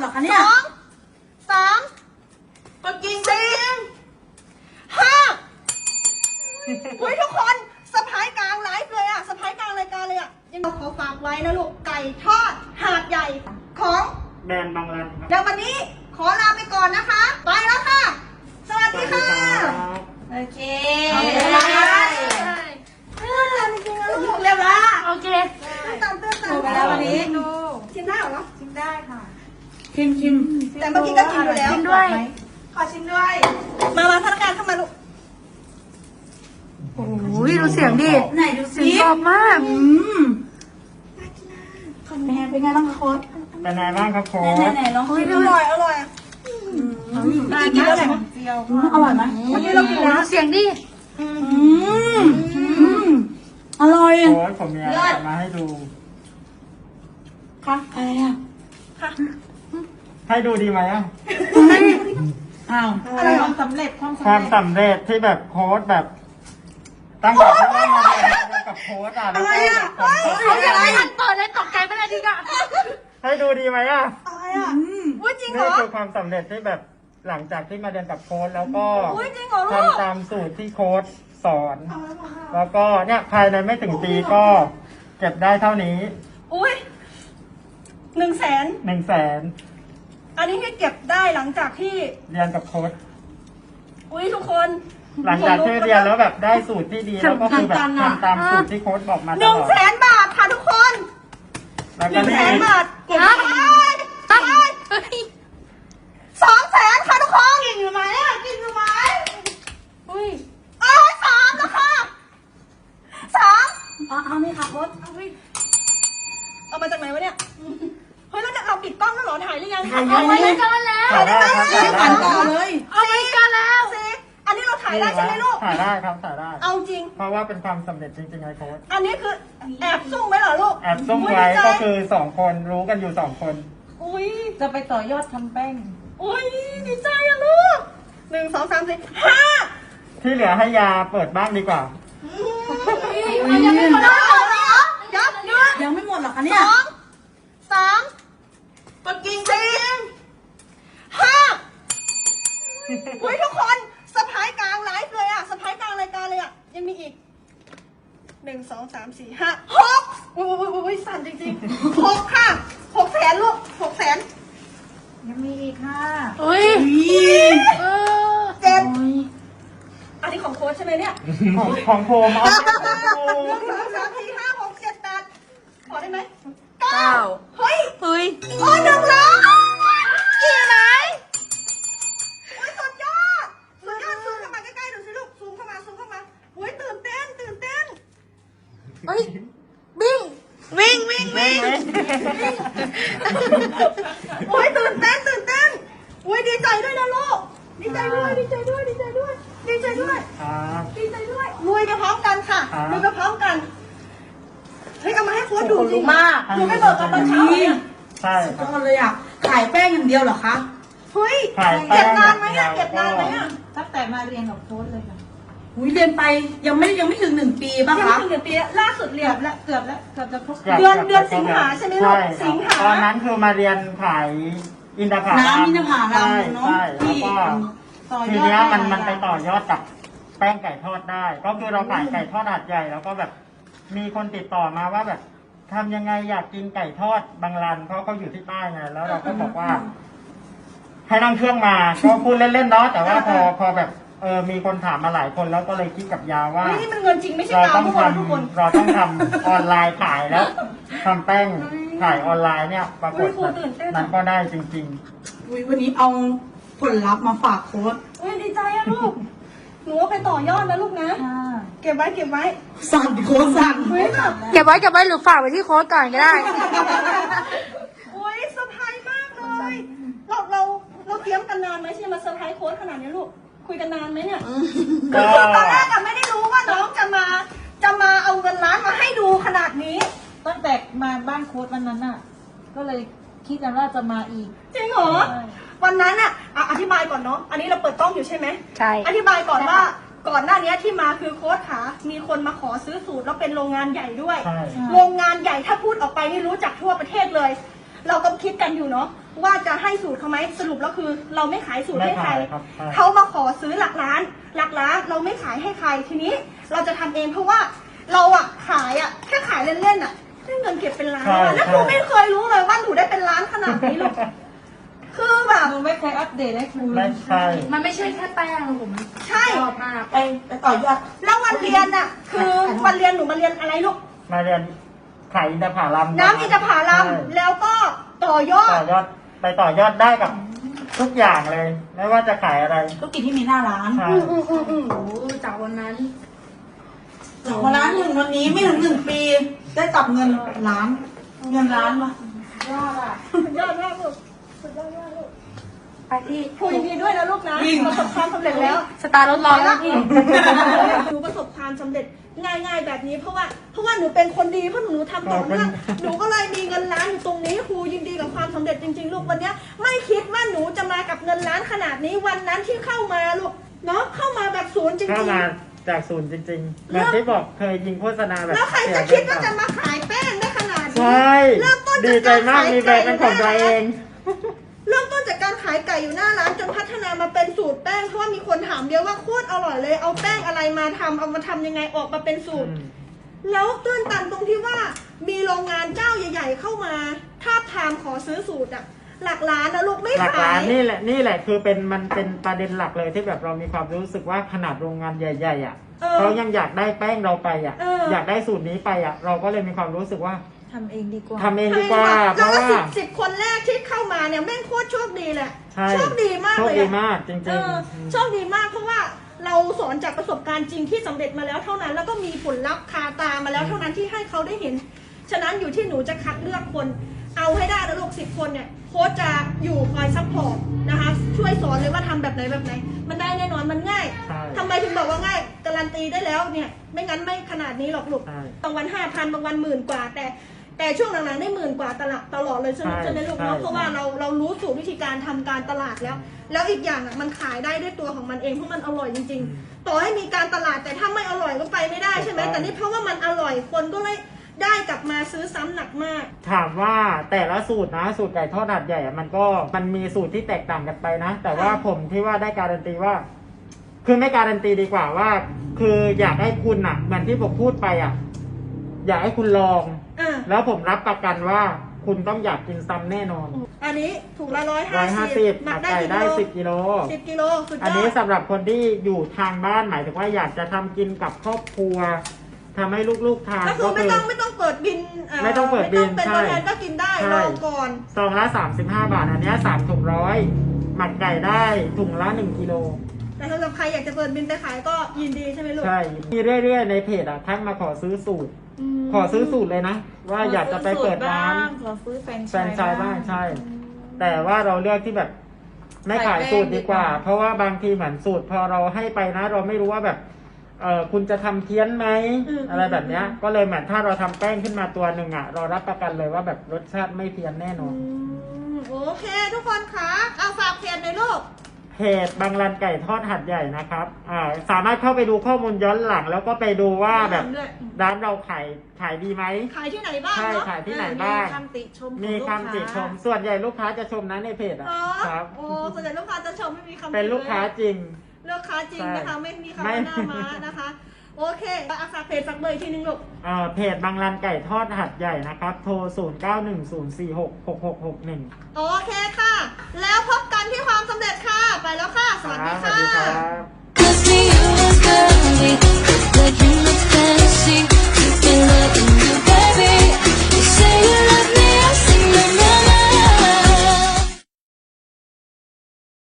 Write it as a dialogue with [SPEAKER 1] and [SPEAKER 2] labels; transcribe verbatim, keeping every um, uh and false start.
[SPEAKER 1] อคะเนี่ย
[SPEAKER 2] สองสามกดกิ่งสี่ห้าอุ้ยทุกคนสะพายกลางไลฟ์เลยอะสะพายกลางรายการเลยอะยังขอฝากไว้นะลูกไก่ทอดหาดใหญ่ของ
[SPEAKER 3] แบรนด์บางรันครับ
[SPEAKER 2] เดี๋ยววันนี้ขอลาไปก่อนนะคะ ไปแล้วค่ะ สวัสดีค่ะ
[SPEAKER 1] โอเค
[SPEAKER 2] เอาเลย เออจริงๆแล้วลูกเร็วละ
[SPEAKER 1] โอเค
[SPEAKER 2] ตื่นตันตื่นตัน
[SPEAKER 1] ถูกไปแล้ววันนี้
[SPEAKER 2] ชิมได้เหรอ
[SPEAKER 1] ชิมได้ค่ะชิมชิม
[SPEAKER 2] แต่เมื่อกี้ก็กินอยู่แล้ว
[SPEAKER 1] ชิมด้วย
[SPEAKER 2] ขอชิมด้วย มามาพนักงานเข้ามาลูก
[SPEAKER 1] โอ้ยดูเสียงดิ
[SPEAKER 2] ไหนดู
[SPEAKER 1] เสี
[SPEAKER 2] สิ
[SPEAKER 1] ยงชอบมาก
[SPEAKER 2] อืม
[SPEAKER 1] เป็นไงเป็นไงบ้างคะโค้ด
[SPEAKER 3] เป็นไงบ้างครับโค้
[SPEAKER 1] ไหน
[SPEAKER 3] ช
[SPEAKER 1] ไหนลอง
[SPEAKER 2] เฮ้ย
[SPEAKER 1] ชิม
[SPEAKER 2] อ
[SPEAKER 1] ดูห
[SPEAKER 2] ร่
[SPEAKER 1] น่
[SPEAKER 2] อ
[SPEAKER 1] อย
[SPEAKER 2] ยอร่อย
[SPEAKER 1] ได้
[SPEAKER 2] กิน
[SPEAKER 1] ไหม
[SPEAKER 2] แล้วแหละ
[SPEAKER 1] อร่อยไหม
[SPEAKER 2] วันนี้เรากินแล้ว
[SPEAKER 1] ดูเสียงดิอืมอร่อย
[SPEAKER 3] โค้ชผมมีอะไรจะมาให้ดู
[SPEAKER 1] ค่ะอะไรอ่ะ
[SPEAKER 3] ให้ดูดีไหมอ่ะ
[SPEAKER 1] อ้าว
[SPEAKER 2] อะไรเหรอ
[SPEAKER 1] ความสำเร็จความ
[SPEAKER 3] ความสำเร็จที่แบบโค้ชแบบ ตั้งแต่ที่ได้มาเรียนกับโค้ชอ่ะแล้วก็แบบผลตอบ
[SPEAKER 1] เขาจะ
[SPEAKER 3] รับ
[SPEAKER 1] ได้ทันเปิดเลยตกใจไปเลยดีกว่า
[SPEAKER 3] ให้ดูดีไหมอ่ะ
[SPEAKER 2] อะไรอ่ะอุ้ยจริงเหร
[SPEAKER 3] นี่
[SPEAKER 2] อ
[SPEAKER 3] คือความสำเร็จที่แบบหลังจากที่มาเรียนกับโค้ชแล้วก็
[SPEAKER 2] อุ๊ยจริงเหรอลูก
[SPEAKER 3] ทำตามสูตรที่โค้ชสอน แล้วก็เนี่ยภายในไม่ถึงปีก็เก็บได้เท่านี้
[SPEAKER 2] อุ้ยหนึ่งแสน
[SPEAKER 3] หนึ่งแสน
[SPEAKER 2] อันนี้ที่เก็บได้หลังจากที่
[SPEAKER 3] เรียนกับโค้ช
[SPEAKER 2] อุ้ยทุกคน
[SPEAKER 3] หลังจากที่เรียนแล้วแบบได้สูตรที่ดีแล้วก็คือแบบทำตามสูตรที่โค้ชบอกมาต
[SPEAKER 2] หนึ่ง
[SPEAKER 3] ลอด
[SPEAKER 2] แสนบาทค่ะทุกคน
[SPEAKER 3] แล้ว
[SPEAKER 2] ห
[SPEAKER 3] ก็
[SPEAKER 2] นึ่ง
[SPEAKER 3] นี่
[SPEAKER 2] แสนบาทเก็บ
[SPEAKER 1] ฮะ
[SPEAKER 2] ได้สองแสนค่ะทุกคนกินอยู่ไหมอ่ะกินอยู่ไหม
[SPEAKER 1] อุ้ย
[SPEAKER 2] เอ้ยสามแล้วค่ะสาม
[SPEAKER 1] เอาเอานี่ค่ะโค้ดเอาไป
[SPEAKER 2] เอามาจากไหนวะเนี่ยเฮ้ยแล้วเราปิดกล้องแล้วเหรอถ่ายหรือยัง
[SPEAKER 1] เอาไว้เลยกันแล้ว
[SPEAKER 3] ถ่ายได้ครับถ่ายได้
[SPEAKER 1] ปั่นต่อเลย
[SPEAKER 2] เอาไว้กันแล้วสิอันนี้เราถ่ายได้ใช่ไหมลูก
[SPEAKER 3] ถ่ายได้ครับถ่ายได้
[SPEAKER 2] เอาจริง
[SPEAKER 3] เพราะว่าเป็นความสำเร็จจริงๆไงโค้ช
[SPEAKER 2] อันนี้คือแอบซุ่มไว้เหรอลูก
[SPEAKER 3] แอบซุ่มไว้ก็คือสองคนรู้กันอยู่สองคน
[SPEAKER 2] อุ้ย
[SPEAKER 1] จะไปต่อยอดทำแป้ง
[SPEAKER 2] อุ้ยดีใจอะลูกหนึ่งสองสามสี่ห้า
[SPEAKER 3] ที่เหลือให้ยาเปิดบ้างดีกว่า
[SPEAKER 2] มันยังไม่หมดแล้วเหรอยับยับ
[SPEAKER 1] ยังไม่หมดหรอคะ
[SPEAKER 2] ส
[SPEAKER 1] เนี่ย
[SPEAKER 2] องสามกดกิ่งสี่ห้าอุ้ยทุกคนสะพายกลางไลฟ์เลยอะสะพายกลางรายการเลยอะยังมีอีกหนึ่งสองสามสี่ห้าหกอุ้ยอุ้ยอุ้ยอุ้ยสั่นจริงๆหกค่ะหกแสนลูกหกแสน
[SPEAKER 1] ยังมีอีกค่ะอุ้ยเออ
[SPEAKER 2] เจ็ดอันนี้ของโค้ชใช่ไหมเนี่ย
[SPEAKER 3] ของของโพมเอา
[SPEAKER 2] หนึ่งสองสามสี่ห้าหกเจ็ดแปดขอได้ไหมเก้าเฮ้ย
[SPEAKER 1] เฮ้ย
[SPEAKER 2] โอ้ยหนึ่งล้านกี่ไหนโอ้ยสุดยอดสุดยอดซูมเข้ามาใกล้ๆดูสิลูกซูมเข้ามาซูมเข้ามาโอ้ยตื่นเต้นตื่นเต้น
[SPEAKER 1] เฮ้ยบิ้ง
[SPEAKER 2] วิ่งวิ่งวิ่งโอ้ยตื่นเต้นตื่นเต้นโอ้ยดีใจด้วยนะลูกดีใจด้วยดีใจด้วยดีใจด้วยดีใจด้วย
[SPEAKER 3] ครับ
[SPEAKER 2] ดีใจด้วยรวยไปพร้อมกันค่ะ
[SPEAKER 3] ครับ
[SPEAKER 2] รวยไปพร้อมกันเฮ้ยเอามาให้โค้ชดูจริง
[SPEAKER 1] มาก
[SPEAKER 2] ดูไม่เบิกกันตอนเช้าเลยอะ
[SPEAKER 3] ใช่ค
[SPEAKER 1] ต้
[SPEAKER 3] รั
[SPEAKER 1] อบ งเลยอ่ะขายแป้งอย่างเดียวเหรอคะ
[SPEAKER 2] เฮ้ย
[SPEAKER 3] ขายแป้
[SPEAKER 2] เก็บ
[SPEAKER 3] ง
[SPEAKER 2] นานไหม
[SPEAKER 3] อย่า
[SPEAKER 2] อะ
[SPEAKER 3] งเดียว
[SPEAKER 2] เก็บนานไหมอะ
[SPEAKER 1] ตั้งแต่มาเรียนกับโค้ชเลยค่ะอุ้ยเรียนไปยังไม่ยังไม่ถึงหนึ่งปีป่ะ
[SPEAKER 2] ยัง
[SPEAKER 1] คะ
[SPEAKER 2] ไม่ถึงเดือนปีล่าสุดเรียน
[SPEAKER 1] แล้วเกือบแล้วเกือบจะครบ
[SPEAKER 3] กืบ
[SPEAKER 2] เดือน
[SPEAKER 3] กืบ
[SPEAKER 2] เดือนสิงหาใช่ไหมลูก
[SPEAKER 3] ใช่ครับ
[SPEAKER 2] สิงหา
[SPEAKER 3] ตอนนั้นคือมาเรียนขายอินทผลัม
[SPEAKER 1] น้ำมินผาลา
[SPEAKER 3] ใช่
[SPEAKER 1] มเนาะ
[SPEAKER 3] ใช่แล้ว
[SPEAKER 1] ที่
[SPEAKER 3] ก็
[SPEAKER 1] ต่อยอด
[SPEAKER 3] ทีเนี้ยมัน
[SPEAKER 1] ได้
[SPEAKER 3] มันไปต่อยอดกับแป้งไก่ทอดได้ ก็คือเราขายไก่ทอดหาดใหญ่แล้วก็แบบมีคนติดต่อมาว่าแบบทำยังไงอยากกินไก่ทอดบางรันเพราะเขาอยู่ที่ใต้ไงแล้วเราก็บอกว่า ให้นั่งเครื่องมา ก็พูดเล่นๆเนาะแต่ว่าพอพอแบบเออมีคนถามมาหลายคนแล้วก็เลยคิดกับยาว่า
[SPEAKER 2] เฮ้ยนี่มันเงินจริงไม่ใช่
[SPEAKER 3] เรา
[SPEAKER 2] ตาม
[SPEAKER 3] ต้อง
[SPEAKER 2] ทุก
[SPEAKER 3] ท
[SPEAKER 2] คนทุกคน
[SPEAKER 3] ำเราต้องทำออนไลน์ขายแล้วทำแป้งขายออนไลน์เนี่ย ปรากฏแบบมันก็ได้จริง
[SPEAKER 1] อุ้ยวันนี้เอาผลลัพธ์มาฝากโค้ช
[SPEAKER 2] เฮ้ยดีใจอะลูกหนูเอาไปต่อยอดนะลูกนะ เก็บไว้เก็บไว้
[SPEAKER 1] สั่นโค้ชสั่น
[SPEAKER 2] เฮ้ยแบบ
[SPEAKER 4] เก็บไว้เก็บไว้หรือฝากไว้ที่โค้ชก่อนก็ได้
[SPEAKER 2] โอ้ยเซอร์ไพรส์มากเลย เราเราเราเตรียมกันนานไหมที่จะมาเซอร์ไพรส์โค้ชขนาดนี้ลูก คุยกันนานไหมเนี่ย
[SPEAKER 3] ๆ
[SPEAKER 2] คือ
[SPEAKER 3] ก็
[SPEAKER 2] ตอนแรกอะไม่ได้รู้ว่าน้องจะมาจะมาเอาเงินล้านมาให้ดูขนาดนี้
[SPEAKER 5] ตั้งแต่มาบ้านโค้ดวันนั้นน่ะ ก็เลยคิดกันว่าจะมาอีก
[SPEAKER 2] จริงเหรอ
[SPEAKER 5] ใช่
[SPEAKER 2] วันนั้นอะอ่ะอธิบายก่อนเนาะ อันนี้เราเปิดกล้องอยู่ใช่ไหม
[SPEAKER 4] ใช่
[SPEAKER 2] อธิบายก่อนว่าก่อนหน้านี้ที่มาคือโค้ชขามีคนมาขอซื้อสูตรแล้วเป็นโรงงานใหญ่ด้วย
[SPEAKER 3] ใช่
[SPEAKER 2] โรงงานใหญ่ถ้าพูดออกไปนี่รู้จักทั่วประเทศเลยเราก็คิดกันอยู่เนาะว่าจะให้สูตรเขาไหมสรุปแล้วคือ เราไม่ขายสูตรให้ใคร
[SPEAKER 3] ไม่ขายครับใช่
[SPEAKER 2] เขามาขอซื้อหลักล้านหลักล้านเราไม่ขายให้ใครทีนี้ เราจะทำเองเพราะว่าเราอะขายอะแค่ขายเล่นๆอะได้เงินเก็บเป็นล้านอะแล้วหนูไม่เคยรู้เลยว่าหนูได้เป็นล้านขนาดนี้หรอกคือแบบ
[SPEAKER 5] หนูไม่เคยอัปเดตให้คุณ
[SPEAKER 3] ไม่ใช่
[SPEAKER 1] มันไม่ใช่แค่แป้งผม
[SPEAKER 2] ใช่
[SPEAKER 1] ชอบมาก
[SPEAKER 5] ไปไปต่อยอด
[SPEAKER 2] แล้ววันเรียนอะคือวันเรียนหนูมาเรียนอะไรลูก
[SPEAKER 3] มาเรียนขายอินทผลัม
[SPEAKER 2] น้ำอินทผลัม
[SPEAKER 3] ใช่
[SPEAKER 2] แล้วก็ต่อยอด
[SPEAKER 3] ต่อยอดไปต่อยอดได้กับทุกอย่างเลย ไม่ว่าจะขายอะไร
[SPEAKER 5] ธุรกิจที่มีหน้าร้าน
[SPEAKER 3] ใช่
[SPEAKER 2] อืมอืมอืมอืม
[SPEAKER 1] โอ้จากวันนั้น
[SPEAKER 5] จากวันร้านหนึ่งวันนี้ไม่ถึงหนึ่งปี ได้กลับเงินล้าน เงินล้านมา
[SPEAKER 1] ยอดอ่ะ
[SPEAKER 2] สุดยอดมากลูกสุดยอดมากลูก
[SPEAKER 1] ไปที่
[SPEAKER 2] คุยดีด้วยนะลูกนะประสบความสำเร็จแล้ว
[SPEAKER 1] สตาร์รถรอแล้วพี่
[SPEAKER 2] หนูประสบความสำเร็จง่าย ๆ แบบนี้เพราะว่าเพราะว่าหนูเป็นคนดีเพราะหนูทำต่อเนื่องหนูก็เลยมีเงินล้านอยู่ตรงนี้ครูยินดีกับความสำเร็จจริงๆลูกวันเนี้ยไม่คิดว่าหนูจะมากับเงินล้านขนาดนี้วันนั้นที่เข้ามาลูกเนาะเข้ามาแบบศูนย์จริง
[SPEAKER 3] เข้า
[SPEAKER 2] ๆ
[SPEAKER 3] มาจากศูนย์จริงๆแบบที่บอกเคยยิงโฆษณาแบบ
[SPEAKER 2] แล้วใครจะคิดว่าจะมาขายแป้งได้ขนาดนี้
[SPEAKER 3] ใช่
[SPEAKER 2] เริ่มต้น
[SPEAKER 3] ดี
[SPEAKER 2] จาก
[SPEAKER 3] ใจ
[SPEAKER 2] การ
[SPEAKER 3] มาก
[SPEAKER 2] ขาย
[SPEAKER 3] มีแบร
[SPEAKER 2] ไก่
[SPEAKER 3] นด์เป็นของตัวเอง
[SPEAKER 2] เริ่มต้นจากการขายไก่อยู่หน้าร้านจนพัฒนามาเป็นสูตรแป้งเพราะว่ามีคนถามเยอะว่าโคตรอร่อยเลยเอาแป้งอะไรมาทำเอามาทำยังไงออกมาเป็นสูตร แล้วตื้นตันตรงที่ว่ามีโรงงานเจ้าใหญ่ ๆ เข้ามาทาบทามขอซื้อสูตรอะหลักล้านนะลูกไม่
[SPEAKER 3] หลัก
[SPEAKER 2] ขา
[SPEAKER 3] ล้าน
[SPEAKER 2] ย
[SPEAKER 3] นี่แหละนี่แหละคือเป็นมันเป็นประเด็นหลักเลยที่แบบเรามีความรู้สึกว่าขนาดโรงงานใหญ่ๆอ่ะ
[SPEAKER 2] เออ
[SPEAKER 3] เขายังอยากได้แป้งเราไปอ่ะ
[SPEAKER 2] เอออ
[SPEAKER 3] อยากได้สูตรนี้ไปอ่ะ เราก็เลยมีความรู้สึกว่า
[SPEAKER 5] ทำเองดีกว่า
[SPEAKER 3] ทำเองดีกว่า เพ
[SPEAKER 2] แล้ว
[SPEAKER 3] ราะ
[SPEAKER 2] ก็
[SPEAKER 3] ว่า
[SPEAKER 2] สิบสิบคนแรกที่เข้ามาเนี่ยแม่งโคตรโชคดีเลย
[SPEAKER 3] ใช่
[SPEAKER 2] โชคดีมาก
[SPEAKER 3] โช
[SPEAKER 2] เล
[SPEAKER 3] ค
[SPEAKER 2] ย
[SPEAKER 3] ดี
[SPEAKER 2] อะ
[SPEAKER 3] มากจริง
[SPEAKER 2] เออ
[SPEAKER 3] ๆ
[SPEAKER 2] โชคดีมากเพราะว่าเราสอนจากประสบการณ์จริงที่สำเร็จมาแล้วเท่านั้น แล้วก็มีผลลัพธ์คาตามาแล้วเท่านั้นที่ให้เขาได้เห็น ฉะนั้นอยู่ที่หนูจะคัดเลือกคน เอาให้ได้นะลูกสิบคนเนี่ยโค้ชจะอยู่คอยซัพพอร์ตนะคะช่วยสอนเลยว่าทำแบบไหนแบบไหน มันได้แน่นอนมันง่าย
[SPEAKER 3] ใช่
[SPEAKER 2] ทำไมถึงบอกว่าง่ายการันตีได้แล้วเนี่ยไม่งั้นไม่ขนาดนี้หรอกลูก
[SPEAKER 3] ใช่
[SPEAKER 2] บางวันห้าพันบางวันหมื่นกว่า แต่แต่ช่วงหลังๆได้หมื่นกว่าตลอดตลอดเลยใช่ไหม
[SPEAKER 3] ใช่
[SPEAKER 2] ใช่ไหมลูกเนาะ
[SPEAKER 3] ใช่
[SPEAKER 2] เพราะว่าเราเรารู้สูตรวิธีการทำการตลาดแล้ว แล้วอีกอย่างอ่ะมันขายได้ด้วยตัวของมันเองเพราะมันอร่อยจริง ๆ ต่อให้มีการตลาดแต่ถ้าไม่อร่อยก็ไปไม่ได้ใช่ไหมแต่นี่เพราะว่ามันอร่อยคนก็เลยได้กลับมาซื้อซ้ำหนักมาก
[SPEAKER 3] ถามว่าแต่ละสูตรนะสูตรไก่ทอดหัดใหญ่อะมันก็มันมีสูตรที่แตกต่างกันไปนะ แต่ว่า
[SPEAKER 2] ค่ะ
[SPEAKER 3] ผมที่ว่าได้การันตีว่า คือไม่การันตีดีกว่าว่า คืออยากให้คุณอ่ะเหมือนที่ผมพูดไปอ่ะ อยากให้คุณลอง
[SPEAKER 2] อ่ะ
[SPEAKER 3] แล้วผมรับประกันว่าคุณต้องอยากกินซ้ำแน่นอน
[SPEAKER 2] อันนี้ถูกละร้อย
[SPEAKER 3] ร้
[SPEAKER 2] ห้า
[SPEAKER 3] อยห้า
[SPEAKER 2] สิ
[SPEAKER 3] สิ
[SPEAKER 2] บบ หนั
[SPEAKER 3] หั
[SPEAKER 2] ก
[SPEAKER 3] ด
[SPEAKER 2] ได้
[SPEAKER 3] ไก่
[SPEAKER 2] กี่
[SPEAKER 3] ได้
[SPEAKER 2] กิโล
[SPEAKER 3] สิบกิโล
[SPEAKER 2] สิบกิโลสุดยอด
[SPEAKER 3] อันนี้สำหรับคนที่อยู่ทางบ้านหมายถึงว่าอยากจะทำกินกับครอบครัวทำให้ลูกๆทาน
[SPEAKER 2] ก็คือไม่ต้องไม่ต้องเปิดบิน
[SPEAKER 3] ไม่ต้องเปิดบิน
[SPEAKER 2] ไม่ต้องเป็น
[SPEAKER 3] ใช่
[SPEAKER 2] ตัวแทนก็กินได้
[SPEAKER 3] ใช่
[SPEAKER 2] รอก่อน
[SPEAKER 3] ซองละสามสิบห้าบาท อันเนี้ยสามถุงร้อยหมักไก่ได้ถุงละหนึ่งกิโล
[SPEAKER 2] แต่สำหรับใครอยากจะเปิดบินไปขายก็ยินดีใช่ไหมลูก
[SPEAKER 3] ใช่มีเรื่อยๆในเพจอ่ะทักมาขอซื้อสูตร
[SPEAKER 2] ม
[SPEAKER 3] ขอซื้อสูตรเลยนะ ว่าอยากจะไปเปิดร้าน
[SPEAKER 5] ขอซื้อแฟรน
[SPEAKER 3] แฟรนไชส์บ้างใช่ แต่ว่าเราเลือกที่แบบ ไม่ขายสูตรดีกว่า เพราะว่าบางทีเหมือนสูตรพอเราให้ไปนะ เราไม่รู้ว่าแบบเออคุณจะทำเพี้ยนไหมอะไรแบบเนี้ย ก็เลยเหมือนถ้าเราทำแป้งขึ้นมาตัวหนึ่งอ่ะ เรารับประกันเลยว่าแบบรสชาติไม่เพี้ยนแน่นอน
[SPEAKER 2] อืมโอเค ทุกคนคะเอาฝากเพจในอยลูก
[SPEAKER 3] เพจบางรันไก่ทอดหัดใหญ่นะครับ อ่า สามารถเข้าไปดูข้อมูลย้อนหลัง แล้วก็ไปดูว่าแบบ
[SPEAKER 2] ด้วย
[SPEAKER 3] ร้านเราขายขายดีไหม
[SPEAKER 2] ขายที่ไหนบ้าง
[SPEAKER 3] ใช่
[SPEAKER 2] เนาะ
[SPEAKER 3] ขายที่ไหนบ้าง
[SPEAKER 5] คำติชม
[SPEAKER 3] มีคำติชม ส่วนใหญ่ลูกค้าจะชมนะในเพจอ่ะ
[SPEAKER 2] อ๋อ
[SPEAKER 3] ครับ
[SPEAKER 2] โอ้ส่วนใหญ่ลูกค้าจะชมไม่มีคำ
[SPEAKER 3] เป็นลูกค้า
[SPEAKER 2] ติ
[SPEAKER 3] จริง
[SPEAKER 2] เลยลูกค้าจริงนะคะ
[SPEAKER 3] ใช่
[SPEAKER 2] ไม่มีคำ
[SPEAKER 3] ไม่
[SPEAKER 2] ว่าหน้าม้านะคะ โอเคเอาฝากเพจฝากเบอร์อีกทีนึงลูก
[SPEAKER 3] อ่าเพจบางรันไก่ทอดหัดใหญ่นะครับ โทร ศูนย์ เก้า หนึ่ง ศูนย์ สี่ หก หก หก หก หนึ่ง
[SPEAKER 2] โอเคค่ะ แล้วพบกันที่ความสำ